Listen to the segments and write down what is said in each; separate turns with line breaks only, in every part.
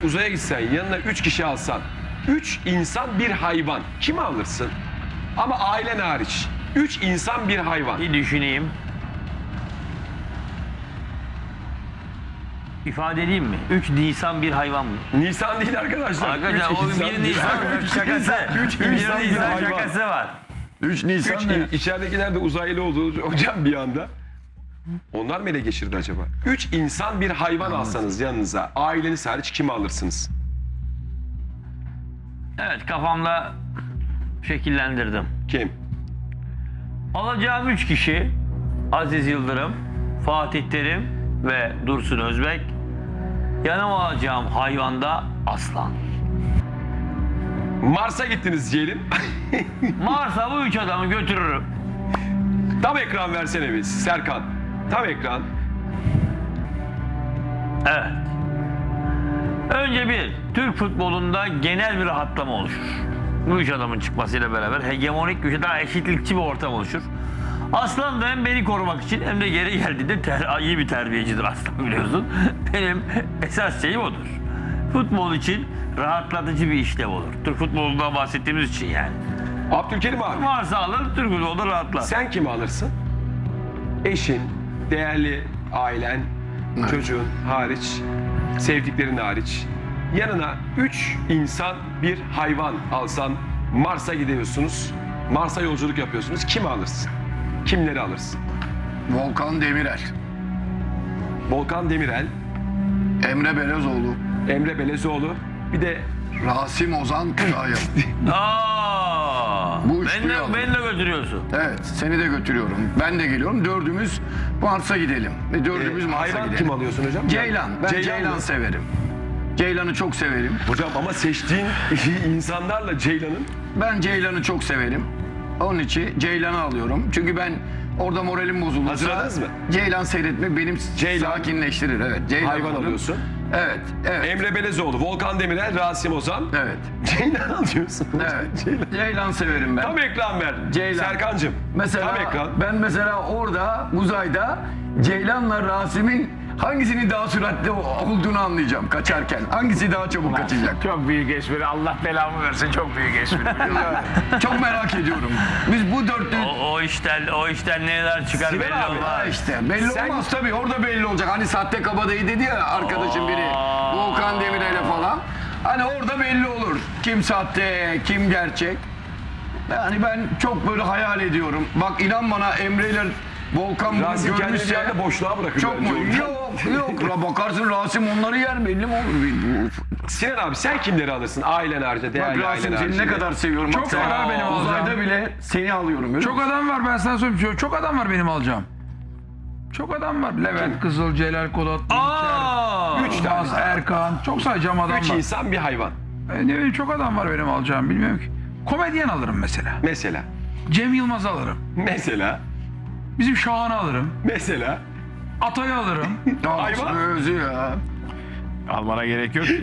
Uzaya gitsen, yanına 3 kişi alsan, 3 insan bir hayvan, kimi alırsın? Ama ailen hariç. 3 insan bir hayvan.
Bir düşüneyim. İfade edeyim mi? 3 Nisan bir hayvan mı?
Nisan değil arkadaşlar.
Arkadaşlar
Üç
o
insan
bir Nisan şakası.
3
Bir
insan bir
Nisan
hayvan.
şakası var.
3 Nisan
3
ne?
içeridekiler de uzaylı oldu hocam bir anda. Onlar mı ele geçirdi acaba? 3 insan bir hayvan alsanız yanınıza, aileniz hariç kimi alırsınız?
Evet, kafamda şekillendirdim.
Kim?
Alacağım 3 kişi Aziz Yıldırım, Fatih Terim ve Dursun Özbek. Yanıma alacağım hayvanda aslan.
Mars'a gittiniz diyelim.
Mars'a bu 3 adamı götürürüm.
Tam ekran versene biz Serkan. Tam ekran.
Evet. Önce bir, Türk futbolunda genel bir rahatlama oluşur. Bu üç adamın çıkmasıyla beraber hegemonik güçe daha eşitlikçi bir ortam oluşur. Aslan da hem beni korumak için hem de geri geldiğinde iyi bir terbiyecidir Aslan, biliyorsun. Benim esas şeyim odur. Futbol için rahatlatıcı bir işlev olur. Türk futbolundan bahsettiğimiz için yani.
Abdülkerim abi.
Varsa alır, Türk futbolunda rahatlar.
Sen kimi alırsın? Eşin, değerli ailen, çocuğun hariç, sevdiklerin hariç. Yanına 3 insan bir hayvan alsan, Mars'a gidiyorsunuz. Mars'a yolculuk yapıyorsunuz. Kimi alırsın? Kimleri alırsın?
Volkan Demirel,
Volkan Demirel,
Emre Belezoğlu,
Emre Belezoğlu, bir de
Rasim Ozan Kütahya. Bu üçlüyü aldım.
Beni de götürüyorsun.
Evet, seni de götürüyorum. Ben de geliyorum. Dördümüz Mars'a gidelim. Ve dördümüz Mars'a
hayvan
gidelim.
kim alıyorsun hocam?
Ceylan. Ben Ceylan
mı?
severim. Ceylan'ı çok severim.
Hocam ama seçtiğin insanlarla Ceylan'ın
Ben Ceylan'ı çok severim. Onun için Ceylan'ı alıyorum. Çünkü ben orada moralim bozulursa
Hazırladınız mı?
Ceylan seyretmek benim
Ceylan.
sakinleştirir. Evet. Ceylan
hayvan
alırım.
alıyorsun.
Evet. Evet.
Emre Belezoğlu, Volkan Demirel, Rasim Ozan.
Evet.
Ceylan alıyorsun.
Evet.
Ceylan.
Ceylan severim ben.
Tam ekran ver.
Ceylan.
Serkancığım.
Mesela
Tam ekran.
ben mesela orada uzayda Ceylan'la Rasim'in hangisinin daha süratli olduğunu anlayacağım kaçarken. Hangisi daha çabuk kaçacak?
Çok büyük espri. Allah belamı versin, çok büyük espri.
Çok merak ediyorum. Biz bu dörtlü...
O işten neler çıkar
Sinan
belli
abi,
olmaz.
Ha işte belli
Sen-
olmaz tabii, orada belli olacak. Hani sahte kabadayı dedi ya arkadaşım biri, Volkan Demirel'e falan. Hani orada belli olur. Kim sahte, kim gerçek. Yani ben çok böyle hayal ediyorum. Bak inan bana, Emre ile Volkan bunu
Rasim kendini bir
görmüşse...
anda boşluğa bırakır.
Çok mu?
bence.
Yok. Bakarsın Rasim onları yer, belli mi olur?
Sinan abi sen kimleri alırsın? Ailen harici,
Bak
değerli ailen
Rasim seni
harici.
ne kadar seviyorum.
Çok
Bak, sen
var benim
uzayda
alacağım.
bile seni alıyorum. Öyle
Çok
mi?
adam var, ben sana söyleyeyim. Çok adam var benim alacağım. Çok adam var. Levent Kızıl, Celal Kolat, İlker,
Üç tane.
Yılmaz, Erkan. Çok sayacağım adam
3
var.
insan bir hayvan.
Ne bileyim, çok adam var benim alacağım, bilmiyorum ki. Komedyen alırım mesela.
Mesela.
Cem Yılmaz alırım.
Mesela.
Bizim Şahan'ı alırım.
Mesela.
Atay'ı alırım.
Hayvan.
Özü ya.
Almana gerek yok.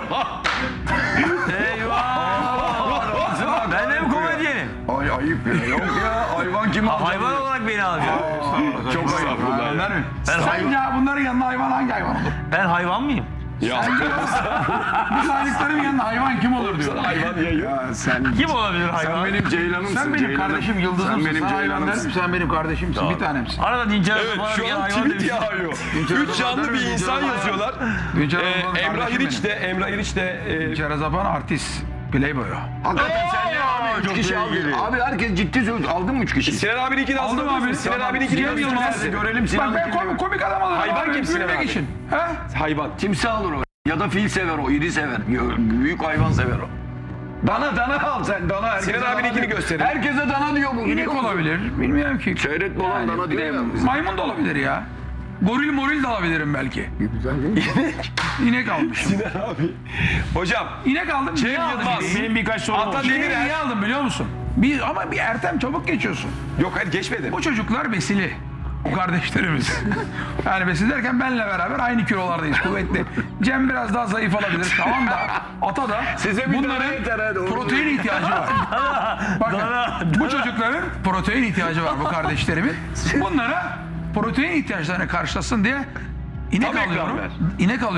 Eyvah! Ben de mi komedyenim?
Ay ayıp ya. Yok ya, hayvan kim alacak?
Hayvan olarak beni alacak.
Çok ayıp.
Hayvanlar mı?
Ben
Sen ya bunların yanında hayvan hangi hayvan olur?
Ben hayvan mıyım?
Ya
Bu saydıklarım yanında hayvan kim olur diyor.
hayvan yayın.
Ya sen
Kim olabilir
sen
hayvan?
benim Ceylan'ımsın.
Sen benim
Ceylan'ım.
kardeşim, yıldızımsın.
Sen benim
Sana hayvan
Ceylan'ımsın.
derim, sen benim kardeşimsin, bir tanemsin.
Arada Dinçer
Evet
falan
şu
bir
an
hayvan
tweet
demiş.
yağıyor. 3 canlı bir insan yazıyorlar.
Dinçer Azapan
Emrah
kardeşim
İriç de,
benim.
Emrah İriç de
Dinçer Azapan artist. Playboy o.
Hakikaten sen ne abi? 3 kişi aldın. Abi herkes ciddi söylüyor. Aldın mı 3 kişi?
Sinan abininkini
Aldım
hazırladınız
abi.
mı? Sinan abininkini
Cem Yılmaz.
göstersin.
Görelim
Bak
Sinan'ı.
ben komik adam alırım.
Hayvan
abi,
kimsin
gülmek
abi?
için. He?
Hayvan.
Timsah alır o. Ya da fil sever o, iri sever. Büyük hayvan sever o. Dana al sen, dana. Herkese
Sinan
dana
abininkini
diyor.
gösterin.
Herkese dana diyor bu.
İnek olabilir. Bilmiyorum ki.
Seyretme olan dana diyor ya.
Maymun da olabilir ya. Goril moril de alabilirim belki. İnek almışım.
Sinan abi. Hocam.
İnek aldım.
Cem
niye aldım
Yılmaz.
ineği?
Benim birkaç sorum
Ata
oldu.
İneği
Demirel.
niye aldım biliyor musun? Ama bir Ertem çabuk geçiyorsun.
Yok hayır geçmedim.
Bu çocuklar besili. Bu kardeşlerimiz. Yani besili derken benle beraber aynı kilolardayız, kuvvetli. Cem biraz daha zayıf olabilir. Tamam da Ata da
Size bir
bunların
tane yeter, hadi.
protein ihtiyacı var. Bakın bu çocukların protein ihtiyacı var, bu kardeşlerimin. Bunlara protein ihtiyaçlarını karşılasın diye inek
Tam ekran
alıyorum.
ver.
İnek alıyorum.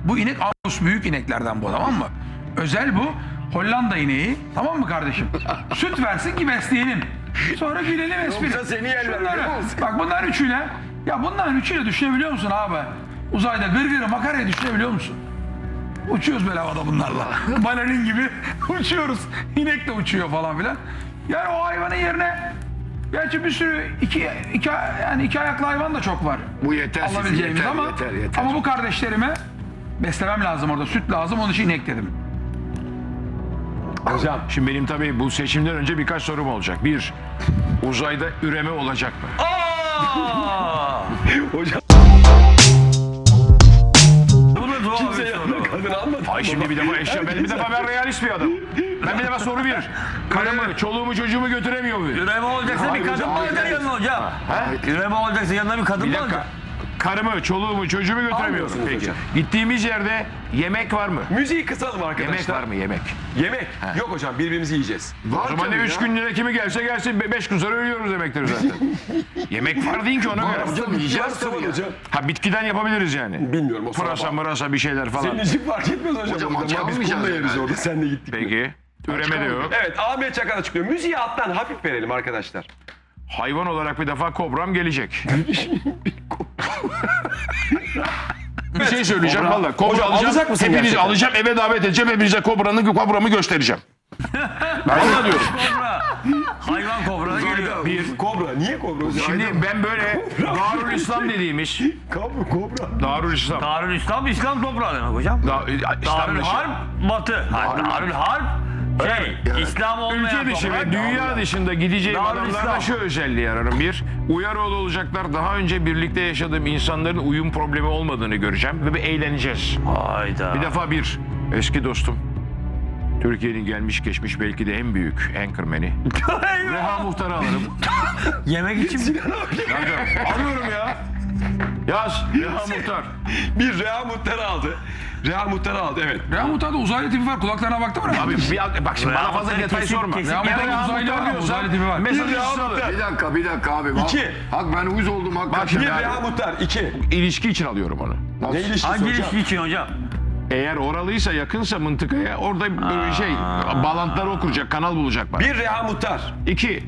Bu inek Angus büyük ineklerden bu, tamam mı? Özel bu. Hollanda ineği. Tamam mı kardeşim? Süt versin ki besleyelim. Sonra gülelim espri.
Yoksa seni yerler,
Şunları-
biliyor musun?
Bak bunların üçüyle. Ya bunların üçüyle düşünebiliyor musun abi? Uzayda gırgırı makarayı düşünebiliyor musun? Uçuyoruz böyle havada bunlarla. Balerin gibi uçuyoruz. İnek de uçuyor falan filan. Yani o hayvanın yerine gerçi bir sürü iki ayaklı hayvan da çok var.
Bu yeter size,
Alabileceğimiz
yeter,
ama
yeter.
ama bu kardeşlerime beslemem lazım orada. Süt lazım, onun için inek dedim.
Hocam
Şimdi benim tabii bu seçimden önce birkaç sorum olacak. Bir, uzayda üreme olacak mı?
hocam
Bu da doğal
kimse
bir
yanına
soru.
kadın almadı.
Ay şimdi bir defa eşya, ben realist bir adamım. Ben bir defa soru bir. Karımı, çoluğumu, çocuğumu götüremiyor muyum?
Üreme olacaksa bir kadın mı olacak yanına hocam? Üreme olacaksa yanına bir kadın
Bir
mı
dakika.
olacak?
Karımı, çoluğumu, çocuğumu götüremiyorum.
Almıyorsunuz
Peki.
hocam.
Gittiğimiz yerde yemek var mı?
Müziği kısalım arkadaşlar.
Yemek var mı yemek?
Yemek. Yok hocam, birbirimizi yiyeceğiz.
O zaman ne 3 gün lira kimi gelse gelsin 5 gün sonra ölüyoruz demektir zaten. Yemek var deyin ki ona göre.
Hocam yiyeceğiz
Tamam
tabii ya.
hocam.
Ha bitkiden yapabiliriz yani.
Bilmiyorum o
Pırasa
sonra.
mırasa bir şeyler falan.
Senin için fark etmez hocam.
Hocam
orada.
aç
Biz
kalmayacağız
kumla yeriz
herhalde.
orada. Sen de gittik.
Peki. Üreme de yok.
Evet, Ahmet Çakar açıklıyor. Müziği alttan hafif verelim arkadaşlar.
Hayvan olarak bir defa kobram gelecek. Bir şey söyleyeceğim valla. Kobra
Hocam,
alacağım.
alacak mısın
Hepinizi
gerçekten?
alacağım, eve davet edeceğim. Hepinize kobramı göstereceğim. Valla diyorum.
Kobra. Hayvan kobra geliyor.
Bir kobra. Niye kobra hocam?
Şimdi ben böyle Darül İslam dediğimiz
Kobra.
Darül İslam.
Darül İslam, İslam toprağı demek hocam. Darül Harp, Batı. Darül Harp, İslam olmayan
Ülke dışı
toprak.
ve dünya dışında gideceğim
Darül
adamlarda
İslam.
şu özelliği ararım. Bir, uyarılı olacaklar. Daha önce birlikte yaşadığım insanların uyum problemi olmadığını göreceğim ve bir eğleneceğiz.
Hayda.
Bir defa eski dostum. Türkiye'nin gelmiş geçmiş belki de en büyük anchorman'i. Reha Muhtar'ı alırım.
Yemek için mi?
Alıyorum ya. Yaz Reha Muhtar.
Bir Reha Muhtar'ı aldı. Reha Muhtar'ı aldı, evet.
Reha Muhtar'da uzaylı tipi var. Kulaklarına baktın mı?
Abi bak şimdi
Reha
bana fazla
Muhtar'ı
detay
kesin-
sorma.
kesin-
Reha
Ya
Muhtar'da
Reha
uzaylı
Muhtar
var.
diyorsan
Uzaylı tipi var.
mesajı
Bir Reha
alır.
Muhtar.
Bir dakika abi. Bak,
İki.
Bak ben uyuz oldum hakikaten.
şimdi
Bir
abi.
Reha Muhtar, iki.
İlişki için alıyorum onu.
Ne ilişkisi
Hangi
hocam?
ilişki için hocam?
Eğer oralıysa yakınsa mıntıkaya orada böyle bağlantıları okuracak, kanal bulacak bana.
Bir Reha Muhtar.
2.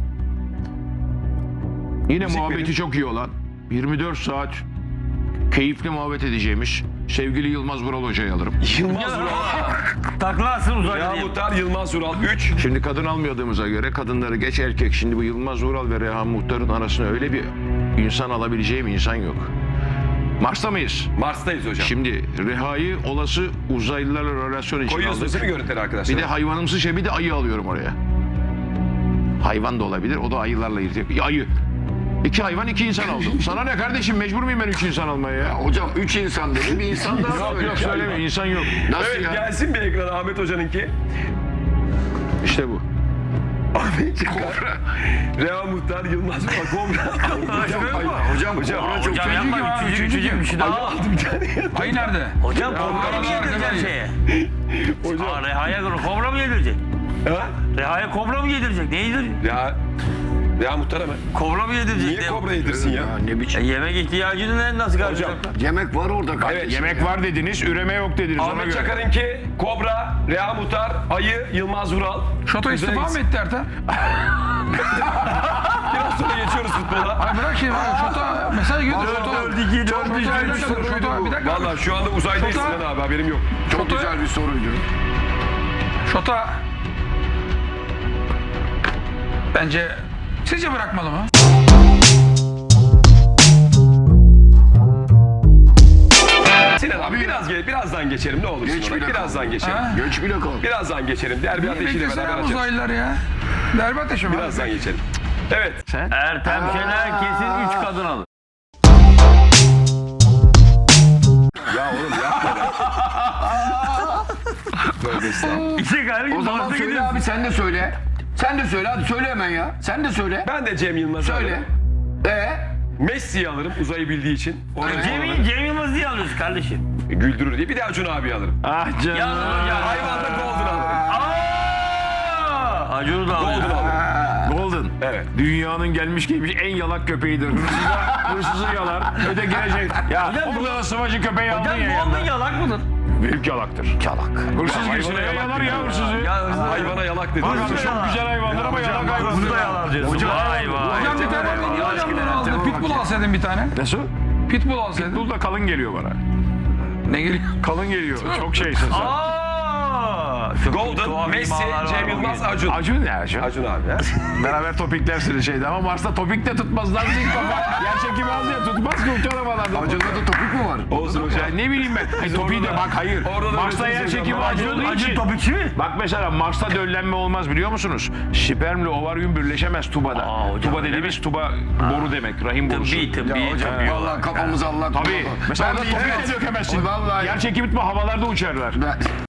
Yine
Müzik
muhabbeti
verin.
çok iyi olan 24 saat keyifli muhabbet edeceğimiz sevgili Yılmaz Vural Hoca'yı alırım.
Yılmaz Vural.
Taklarsın uzaylı
Reha
diye.
Muhtar, Yılmaz Vural. Üç.
Şimdi kadın almadığımıza göre kadınları geç erkek. Şimdi bu Yılmaz Vural ve Reha Muhtar'ın arasına öyle bir insan alabileceğim insan yok. Mars'ta mıyız?
Mars'tayız hocam.
Şimdi Reha'yı olası uzaylılarla relasyon için
Koyuyorsunuz
aldık.
değil mi görüntüleri arkadaşlar?
Bir de hayvanımsı bir de ayı alıyorum oraya. Hayvan da olabilir. O da ayılarla ilgili. Ayı. 2 hayvan 2 insan aldım. Sana ne kardeşim, mecbur muyum ben 3 insan almaya ya?
Hocam 3 insan dedi. Bir insan daha
Yok
söyle.
yok söyleme, insan yok.
Nasıl
Evet,
ya?
gelsin bir ekrana Ahmet Hoca'nınki.
İşte bu.
Ahmet Çakar. Reha Muhtar, Yılmaz Vural. Kobra.
Hocam kobra çok
Hocam
feci.
yapma. Üçüncü bir şey daha.
Aldı bir tane.
Ayı nerede?
Hocam kobra mı yedireceksin şeye?
Hocam.
Reha'ya kobra mı yedirecek?
Ha?
Reha'ya kobra mı yedirecek? Ne yedirecek?
Reha Muhtar'a mı?
Kobra mı yedirecek?
Niye kobra yedirsin ya?
Ne biçim?
Yemek ihtiyacını nasıl karşılayacaklar?
Yemek var orada kardeşim.
Yemek var dediniz, üreme yok dediniz ona
Ahmet
göre.
Çakar'ınki Kobra, Reha Muhtar, Ayı, Yılmaz Vural.
Şoto istifa mı etti Ertem?
Biraz sonra geçiyoruz futbola.
Ay bırak şimdi. Şoto mesaj gönder. Şoto.
4-2, 4-3,
Şoto bir dakika.
Valla şu anda uzaydayız
Şoto.
Sinan abi, haberim yok.
Çok güzel bir soruydu.
Şoto. Bence sizce bırakmalı mı?
Sinan abi birazdan geçerim ne olur
Geç
Sinan abi.
bile
Birazdan geçerim.
Ha?
Göç bile kal.
Birazdan geçerim. Derbi ateşiyle
Beklesene
beraber
ya
açarız.
uzaylılar ya. Derbi ateşi mi?
Birazdan geçerim. Evet.
Ertem Şener kesin 3 kadın alır.
Ya oğlum yapma be. Tövbe estağfurullah.
İşte kardeşim
O zaman
Mars'a
söyle
gidiyorsun.
abi sen de söyle. Sen de söyle hadi söyle hemen ya. Sen de söyle.
Ben de Cem Yılmaz'ı
Söyle.
alırım. Messi'yi alırım uzayı bildiği için.
Cem Yılmaz diye alıyorsun kardeşim.
Güldürür diye. Bir de Acun abi alırım.
Ah canım.
Yalnız hocam.
Hayvanda Golden alırım.
Acun'u da
Golden
alıyor.
alırım.
Golden kadın.
Evet.
Dünyanın gelmiş geçmiş en yalak köpeğidir. Hırsızı yalar. Öte gelecek. Ya orada da sıvacı köpeği aldın
Hocam
ya
bu
yanına.
onun yalak mıdır?
Büyük yalaktır. Yalak. Hırsız girsin ya yalar ya hırsızı.
Ya hırsız
Hayvana yalak dedi.
Bak abi çok güzel hayvanlar ama yalak hayvanlar.
Bunu da yalar diyorsun. Vay vay.
Hocam bir tane niye hocam bunu aldın? Pitbull alsaydın bir tane.
Nasıl?
Pitbull alsaydın.
Pitbull da kalın geliyor bana.
Ne geliyor?
Kalın geliyor. Çok şeysin sen.
Çok
Golden,
tuhaf
Messi,
imalar var
Cem
bugün.
Yılmaz, Acun.
Acun ne Acun?
Acun abi ya.
Beraber topiklersiniz şeyde ama Mars'ta topik de tutmaz lan zil kafa. Yer çekimi az ya tutmaz ki uçan havalarda.
Acun'da da topuk mu var?
Olsun hocam.
Ya ne bileyim ben. Hayır, topiği de bak hayır.
Orada da
Mars'ta yer
öğretiriz
çekimi
hocam.
az olduğu
Acun
için.
topikçi mi?
Bak mesela Mars'ta döllenme olmaz biliyor musunuz? Spermle ovaryum birleşemez tubada.
Aa, hocam,
Tuba
öyle
dediğimiz tuba boru demek. Rahim borusu.
Tıbbi.
Vallahi kafamızı Allah.
Tabii. Mesela
Ben
orada
de-
topik
Evet.
de dökemezsin.
Vallahi.
Yer çekimi tutma havalarda uçarlar.
Ben-